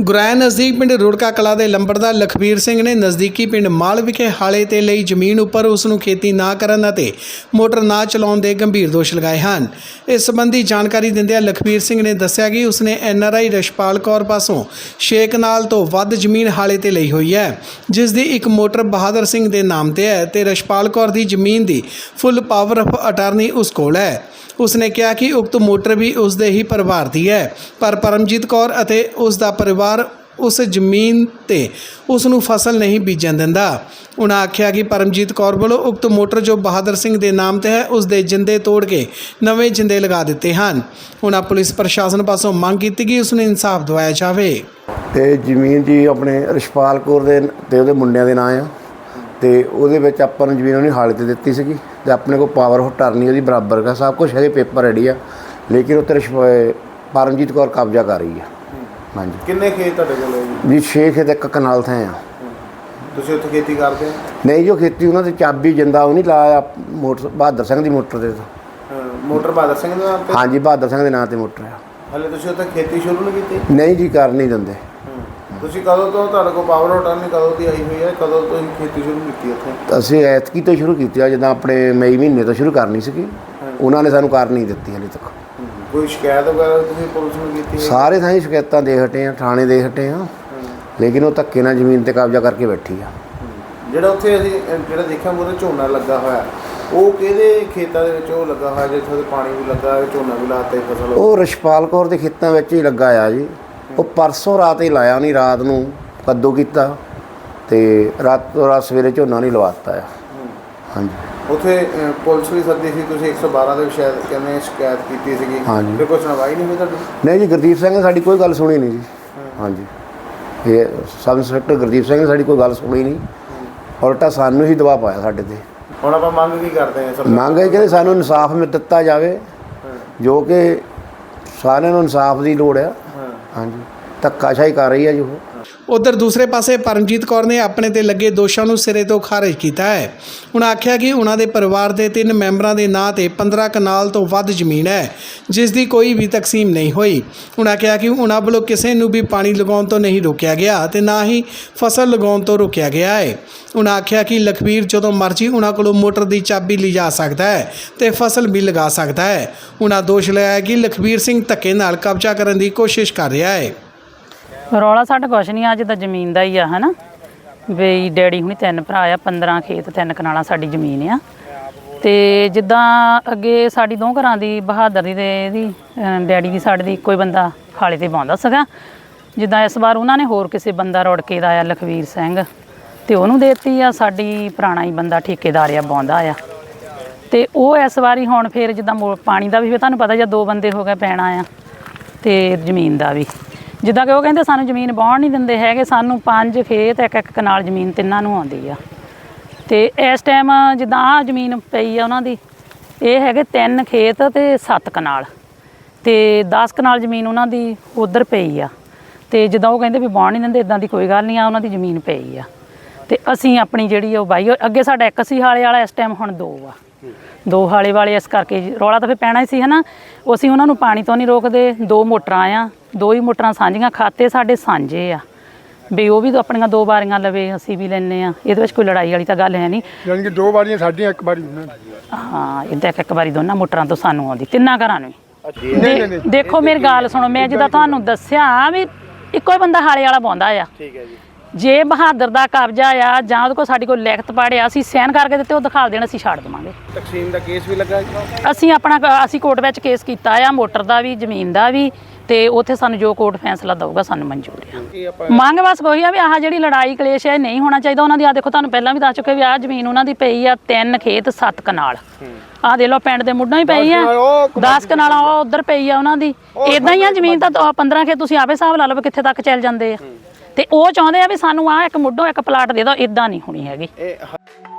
ਗੁਰਾਇਆ ਨਜ਼ਦੀਕ ਪਿੰਡ ਰੁੜਕਾ ਕਲਾ ਦੇ ਲੰਬੜਦਾਰ ਲਖਬੀਰ ਸਿੰਘ ਨੇ ਨਜ਼ਦੀਕੀ ਪਿੰਡ ਮਾਲ ਵਿਖੇ ਹਾਲੇ ਤੇ ਲਈ ਜ਼ਮੀਨ ਉੱਪਰ ਉਸ ਨੂੰ ਖੇਤੀ ਨਾ ਕਰਨ ਅਤੇ ਮੋਟਰ ਨਾ ਚਲਾਉਣ ਦੇ ਗੰਭੀਰ ਦੋਸ਼ ਲਗਾਏ ਹਨ। ਇਸ ਸੰਬੰਧੀ ਜਾਣਕਾਰੀ ਦਿੰਦਿਆਂ ਲਖਬੀਰ ਸਿੰਘ ਨੇ ਦੱਸਿਆ ਕਿ ਉਸਨੇ NRI ਰਸ਼ਪਾਲ ਕੌਰ ਪਾਸੋਂ 6 ਕਨਾਲ ਤੋਂ ਵੱਧ ਜ਼ਮੀਨ ਹਾਲੇ ਤੇ ਲਈ ਹੋਈ ਹੈ, ਜਿਸ ਦੀ ਇੱਕ ਮੋਟਰ ਬਹਾਦਰ ਸਿੰਘ ਦੇ ਨਾਮ ਤੇ ਹੈ ਤੇ ਰਸ਼ਪਾਲ ਕੌਰ ਦੀ ਜ਼ਮੀਨ ਦੀ ਫੁੱਲ ਪਾਵਰ ਆਫ ਅਟਾਰਨੀ ਉਸ ਕੋਲ ਹੈ। ਉਸਨੇ ਕਿਹਾ कि उक्त मोटर भी उसके ही परिवार की है, पर परमजीत कौर ਅਤੇ ਉਸ ਦਾ परिवार उस ਜ਼ਮੀਨ ਤੇ ਉਸ ਨੂੰ ਫਸਲ नहीं ਬੀਜਣ ਦਿੰਦਾ। उन्हें आख्या कि परमजीत कौर ਵੱਲੋਂ उक्त मोटर जो बहादुर सिंह के नाम ਤੇ है उस ਦੇ ਜਿੰਦੇ ਤੋੜ ਕੇ ਨਵੇਂ ਜਿੰਦੇ ਲਗਾ ਦਿੱਤੇ ਹਨ। उन्हें पुलिस प्रशासन पासों ਮੰਗ ਕੀਤੀ कि उसने इंसाफ ਦਿਵਾਇਆ ਜਾਵੇ। ਤੇ ਜ਼ਮੀਨ ਜੀ ਆਪਣੇ ਰਸ਼ਪਾਲ ਕੌਰ ਦੇ ਤੇ ਉਹਦੇ ਮੁੰਡਿਆਂ ਦੇ ਨਾਂ ਆ ਤੇ ਉਹਦੇ ਵਿੱਚ ਆਪਾਂ ਨੂੰ ਜ਼ਮੀਨ ਉਹਨੇ ਹਾਲੇ ਤੇ ਦਿੱਤੀ ਸੀਗੀ ਤੇ ਆਪਣੇ ਕੋਲ ਪਾਵਰ ਆਫ ਅਟਾਰਨੀ ਉਹਦੀ ਬਰਾਬਰ ਦਾ ਸਭ ਕੁਝ ਹੈਗੇ, ਪੇਪਰ ਰੈਡੀ ਆ, ਲੇਕਿਨ ਉੱਤੇ ਪਰਮਜੀਤ ਕੌਰ ਕਬਜ਼ਾ ਕਰ ਰਹੀ ਆ। ਹਾਂਜੀ। ਕਿੰਨੇ ਖੇਤ ਤੁਹਾਡੇ ਕੋਲ ਜੀ 6 ਖੇਤ ਇੱਕ ਕਨਾਲ ਥਾਂ ਆ। ਤੁਸੀਂ ਉੱਥੇ ਖੇਤੀ ਕਰਦੇ ਹੋ? ਨਹੀਂ, ਜੋ ਖੇਤੀ ਉਹਨਾਂ ਦੀ ਚਾਬੀ ਜਿੰਦਾ ਉਹ ਨਹੀਂ ਲਾਇਆ ਮੋਟਰ ਬਹਾਦਰ ਸਿੰਘ ਦੀ ਮੋਟਰ ਦੇ ਮੋਟਰ ਬਹਾਦਰ ਸਿੰਘ ਦੇ ਨਾਮ ਤੇ? ਹਾਂਜੀ, ਬਹਾਦਰ ਸਿੰਘ ਦੇ ਨਾਂ ਤੇ ਮੋਟਰ ਆ। ਹਲੇ ਤੁਸੀਂ ਉੱਥੇ ਖੇਤੀ ਸ਼ੁਰੂ ਨਹੀਂ ਕੀਤੀ? ਨਹੀਂ ਜੀ, ਕਰ ਨਹੀਂ ਦਿੰਦੇ। ਤੁਸੀਂ ਕਦੋਂ ਤੋਂ ਤੁਹਾਡੇ ਕੋਲ ਪਾਵਰ ਆਫ ਅਟਾਰਨੀ ਕਦੋਂ ਦੀ ਆਈ ਹੋਈ ਹੈ, ਕਦੋਂ ਤੋਂ ਖੇਤੀ ਸ਼ੁਰੂ ਕੀਤੀ ਉੱਥੇ? ਅਸੀਂ ਐਤਕੀ ਤੋਂ ਸ਼ੁਰੂ ਕੀਤੀ ਆ, ਜਿੱਦਾਂ ਆਪਣੇ ਮਈ ਮਹੀਨੇ ਤੋਂ ਸ਼ੁਰੂ ਕਰਨੀ ਸੀਗੀ, ਉਹਨਾਂ ਨੇ ਸਾਨੂੰ ਕਰ ਨਹੀਂ ਦਿੱਤੀ ਹਲੇ ਤੱਕ। ਕੋਈ ਸ਼ਿਕਾਇਤ ਵਗੈਰਾ ਤੁਸੀਂ ਪੁਲਿਸ ਨੂੰ ਕੀਤੀ? ਸਾਰੇ ਥਾਂ ਹੀ ਸ਼ਿਕਾਇਤਾਂ ਦੇ ਹਟੇ ਆ, ਥਾਣੇ ਦੇ ਹਟੇ ਆ, ਲੇਕਿਨ ਉਹ ਧੱਕੇ ਨਾਲ ਜ਼ਮੀਨ ਤੇ ਕਬਜ਼ਾ ਕਰਕੇ ਬੈਠੀ ਆ। ਜਿਹੜਾ ਉੱਥੇ ਅਸੀਂ ਜਿਹੜਾ ਦੇਖਿਆ ਮੂਹਰੇ ਝੋਨਾ ਲੱਗਾ ਹੋਇਆ, ਉਹ ਕਿਹਦੇ ਖੇਤਾਂ ਦੇ ਵਿੱਚ ਉਹ ਲੱਗਾ ਹੋਇਆ ਜਿੱਥੇ ਉਹਦੇ ਪਾਣੀ ਵੀ ਲੱਗਾ, ਝੋਨਾ ਵੀ ਲਾਤਾ ਫਸਲ? ਉਹ ਰਸ਼ਪਾਲ ਕੌਰ ਦੇ ਖੇਤਾਂ ਵਿੱਚ ਹੀ ਲੱਗਾ ਆ ਜੀ। ਉਹ ਪਰਸੋਂ ਰਾਤ ਹੀ ਲਾਇਆ, ਨਹੀਂ ਰਾਤ ਨੂੰ ਕੱਦੂ ਕੀਤਾ ਤੇ ਰਾਤੋਂ ਰਾਤ ਸਵੇਰੇ ਝੋਨਾ ਨਹੀਂ ਲਵਾਤਾ ਆ। ਹਾਂਜੀ। ਉੱਥੇ ਪੁਲਿਸ ਵੀ ਸੱਦੀ ਸੀ, ਤੁਸੀਂ 112 ਦੇ ਸ਼ਾਇਦ ਕਹਿੰਦੇ ਸ਼ਿਕਾਇਤ ਕੀਤੀ ਸੀਗੀ? ਹਾਂਜੀ। ਫਿਰ ਕੋਈ ਸੁਣਵਾਈ ਨਹੀਂ ਹੋਈ ਤੁਹਾਡੀ? ਨਹੀਂ ਜੀ, ਗੁਰਦੀਪ ਸਿੰਘ ਨੇ ਸਾਡੀ ਕੋਈ ਗੱਲ ਸੁਣੀ ਨਹੀਂ ਜੀ। ਹਾਂਜੀ, ਇਹ ਸਬ ਇੰਸਪੈਕਟਰ ਗੁਰਦੀਪ ਸਿੰਘ ਨੇ ਸਾਡੀ ਕੋਈ ਗੱਲ ਸੁਣੀ ਨਹੀਂ, ਉਲਟਾ ਸਾਨੂੰ ਹੀ ਦਬਾਅ ਪਾਇਆ ਸਾਡੇ ਤੇ। ਹੁਣ ਆਪਾਂ ਮੰਗ ਕੀ ਕਰਦੇ ਹਾਂ? ਮੰਗ ਹੈ ਕਿ ਸਾਨੂੰ ਇਨਸਾਫ ਦਿੱਤਾ ਜਾਵੇ, ਜੋ ਕਿ ਸਾਰਿਆਂ ਨੂੰ ਇਨਸਾਫ ਦੀ ਲੋੜ ਆ। ਹਾਂਜੀ, ਧੱਕਾਸ਼ਾਹੀ ਕਰ ਰਹੀ ਹੈ ਜੀ ਉਹ। उधर दूसरे पासे परमजीत कौर ने अपने ते लगे दोषों को सिरे तो खारिज किया है। उन्हें आख्या कि उन्होंने परिवार के 3 मैंबरों के नाँ से 15 कनाल तो वध जमीन है, जिसकी कोई भी तकसीम नहीं हुई। उन्हें कहा कि उन्होंने वालों किसी को भी पानी लगाने तो नहीं रोकया गया तो ना ही फसल लगाने तो रोकया गया है। उन्हें आख्या कि लखबीर जो मर्जी उन्होंने को मोटर की चाबी ली जा सकता है तो फसल भी लगा सकता है। उन्हें दोष लगाया कि लखबीर सिंह धक्के नाल कब्जा करने की कोशिश कर रहा है। ਰੌਲਾ ਸਾਡਾ ਕੁਛ ਨਹੀਂ, ਅੱਜ ਤਾਂ ਜ਼ਮੀਨ ਦਾ ਹੀ ਆ, ਹੈ ਨਾ ਵੀ ਡੈਡੀ ਹੁਣੀ 3 ਭਰਾ ਆ, 15 ਖੇਤ 3 ਕਨਾਲਾਂ ਸਾਡੀ ਜ਼ਮੀਨ ਆ। ਤੇ ਜਿੱਦਾਂ ਅੱਗੇ ਸਾਡੀ 2 ਘਰਾਂ ਦੀ ਬਹਾਦਰ ਦੀ ਤੇ ਇਹਦੀ ਡੈਡੀ ਦੀ ਸਾਡੇ ਦੀ ਇੱਕੋ ਹੀ ਬੰਦਾ ਹਾਲੇ ਤੇ ਪਾਉਂਦਾ ਸੀਗਾ। ਜਿੱਦਾਂ ਇਸ ਵਾਰ ਉਹਨਾਂ ਨੇ ਹੋਰ ਕਿਸੇ ਬੰਦਾ ਰੁੜਕੇ ਦਾ ਆ ਲਖਵੀਰ ਸਿੰਘ ਤੇ ਉਹਨੂੰ ਦੇਤੀ ਆ, ਸਾਡੀ ਪੁਰਾਣਾ ਹੀ ਬੰਦਾ ਠੇਕੇਦਾਰ ਆ ਪਾਉਂਦਾ ਆ। ਤੇ ਉਹ ਇਸ ਵਾਰੀ ਹੁਣ ਫਿਰ ਜਿੱਦਾਂ ਪਾਣੀ ਦਾ ਵੀ ਤੁਹਾਨੂੰ ਪਤਾ ਜਾਂ 2 ਬੰਦੇ ਹੋ ਗਏ ਪੈਣਾ ਆ ਤੇ ਜ਼ਮੀਨ ਦਾ ਵੀ ਜਿੱਦਾਂ ਕਿ ਉਹ ਕਹਿੰਦੇ ਸਾਨੂੰ ਜ਼ਮੀਨ ਵਾਹੁਣ ਨਹੀਂ ਦਿੰਦੇ ਹੈਗੇ, ਸਾਨੂੰ 5 ਖੇਤ 1 ਕਨਾਲ ਜ਼ਮੀਨ ਤਿੰਨਾਂ ਨੂੰ ਆਉਂਦੀ ਆ। ਤੇ ਇਸ ਟਾਈਮ ਜਿੱਦਾਂ ਆਹ ਜ਼ਮੀਨ ਪਈ ਆ ਉਹਨਾਂ ਦੀ, ਇਹ ਹੈਗੇ 3 ਖੇਤ ਤੇ 7 ਕਨਾਲ ਤੇ 10 ਕਨਾਲ ਜ਼ਮੀਨ ਉਹਨਾਂ ਦੀ ਉਧਰ ਪਈ ਆ। ਤੇ ਜਿੱਦਾਂ ਉਹ ਕਹਿੰਦੇ ਵੀ ਵਾਹੁਣ ਨਹੀਂ ਦਿੰਦੇ, ਇੱਦਾਂ ਦੀ ਕੋਈ ਗੱਲ ਨਹੀਂ ਆ, ਉਹਨਾਂ ਦੀ ਜ਼ਮੀਨ ਪਈ ਆ ਤੇ ਅਸੀਂ ਆਪਣੀ ਜਿਹੜੀ ਉਹ ਬਾਈ ਅੱਗੇ ਸਾਡਾ 1 ਸੀ ਹਾਲੇ ਵਾਲਾ, ਇਸ ਟਾਈਮ ਹੁਣ 2 ਆ, 2 ਹਾਲੇ ਵਾਲੇ। ਇਸ ਕਰਕੇ ਰੌਲਾ ਤਾਂ ਫਿਰ ਪੈਣਾ ਹੀ ਸੀ, ਹੈ ਨਾ। ਅਸੀਂ ਉਹਨਾਂ ਨੂੰ ਪਾਣੀ ਤੋਂ ਨਹੀਂ ਰੋਕਦੇ, 2 ਮੋਟਰਾਂ ਆ, 2 ਹੀ ਮੋਟਰਾਂ ਸਾਂਝੀਆਂ, ਖਾਤੇ ਸਾਡੇ ਸਾਂਝੇ ਆ ਵੀ ਉਹ ਵੀ ਆਪਣੀਆਂ 2 ਵਾਰੀਆਂ ਲਵੇ, ਅਸੀਂ ਵੀ ਲੈਂਦੇ ਆ। ਇਹਦੇ ਵਿੱਚ ਕੋਈ ਲੜਾਈ ਵਾਲੀ ਤਾਂ ਗੱਲ ਹੈ ਨਹੀਂ, ਯਾਨੀ ਕਿ 2 ਵਾਰੀਆਂ ਸਾਡੀਆਂ 1 ਵਾਰੀ ਉਹਨਾਂ ਦੀ। ਹਾਂ, ਇੱਦਾਂ 1 ਵਾਰੀ ਦੋਨਾਂ ਮੋਟਰਾਂ ਤੋਂ ਸਾਨੂੰ ਆਉਂਦੀ, 3 ਘਰਾਂ ਨੂੰ। ਦੇਖੋ ਮੇਰੀ ਗੱਲ ਸੁਣੋ, ਮੈਂ ਜਿੱਦਾਂ ਤੁਹਾਨੂੰ ਦੱਸਿਆ ਵੀ ਇੱਕੋ ਹੀ ਬੰਦਾ ਹਾਲੇ ਵਾਲਾ ਪਾਉਂਦਾ ਆ। ਠੀਕ ਹੈ ਜੀ। ਜੇ ਬਹਾਦਰ ਦਾ ਕਬਜ਼ਾ ਆ ਜਾਂ ਉਹਦੇ ਕੋਲ ਸਾਡੀ ਕੋਈ ਲਿਖਤ ਪੜ੍ਹਿਆ, ਅਸੀਂ ਸਾਈਨ ਕਰਕੇ ਦਿੱਤੇ, ਉਹ ਦਿਖਾ ਦੇਣ, ਅਸੀਂ ਛੱਡ ਦੇਵਾਂਗੇ। ਤਕਸੀਮ ਦਾ ਕੇਸ ਵੀ ਲੱਗਾ? ਅਸੀਂ ਕੋਰਟ ਵਿੱਚ ਕੇਸ ਕੀਤਾ ਆ, ਮੋਟਰ ਦਾ ਵੀ ਜ਼ਮੀਨ ਦਾ ਵੀ, ਤੇ ਉੱਥੇ ਸਾਨੂੰ ਜੋ ਕੋਰਟ ਫੈਸਲਾ ਦਊਗਾ ਸਾਨੂੰ ਮਨਜ਼ੂਰ ਆ। ਮੰਗ ਬਸ ਕੋਈ ਆ ਵੀ ਆਹ ਜਿਹੜੀ ਲੜਾਈ ਕਲੇਸ਼ ਹੈ ਨਹੀਂ ਹੋਣਾ ਚਾਹੀਦਾ ਉਹਨਾਂ ਦੀ। ਆ ਦੇਖੋ ਤੁਹਾਨੂੰ ਪਹਿਲਾਂ ਵੀ ਦੱਸ ਚੁੱਕੇ ਵੀ ਆਹ ਜ਼ਮੀਨ ਉਹਨਾਂ ਦੀ ਪਈ ਆ 3 ਖੇਤ 7 ਕਨਾਲ। ਆਹ ਦੇ ਲਓ ਪਿੰਡ ਦੇ ਮੁੱਢੋਂ ਹੀ ਪਈ ਆ, 10 ਕਨਾਲਾਂ ਉਹ ਉੱਧਰ ਪਈ ਆ ਉਹਨਾਂ ਦੀ। ਇੱਦਾਂ ਹੀ ਆ ਜ਼ਮੀਨ ਤਾਂ 15 ਖੇਤ, ਤੁਸੀਂ ਆਪੇ ਹਿਸਾਬ ਲਾ ਲਓ ਕਿੱਥੇ ਤੱਕ ਚੱਲ ਜਾਂਦੇ ਆ। ਤੇ ਉਹ ਚਾਹੁੰਦੇ ਆ ਵੀ ਸਾਨੂੰ ਆਹ 1 ਮੁੱਢੋਂ 1 ਪਲਾਟ ਦੇ ਦਿਓ, ਇੱਦਾਂ ਨਹੀਂ ਹੋਣੀ ਹੈਗੀ।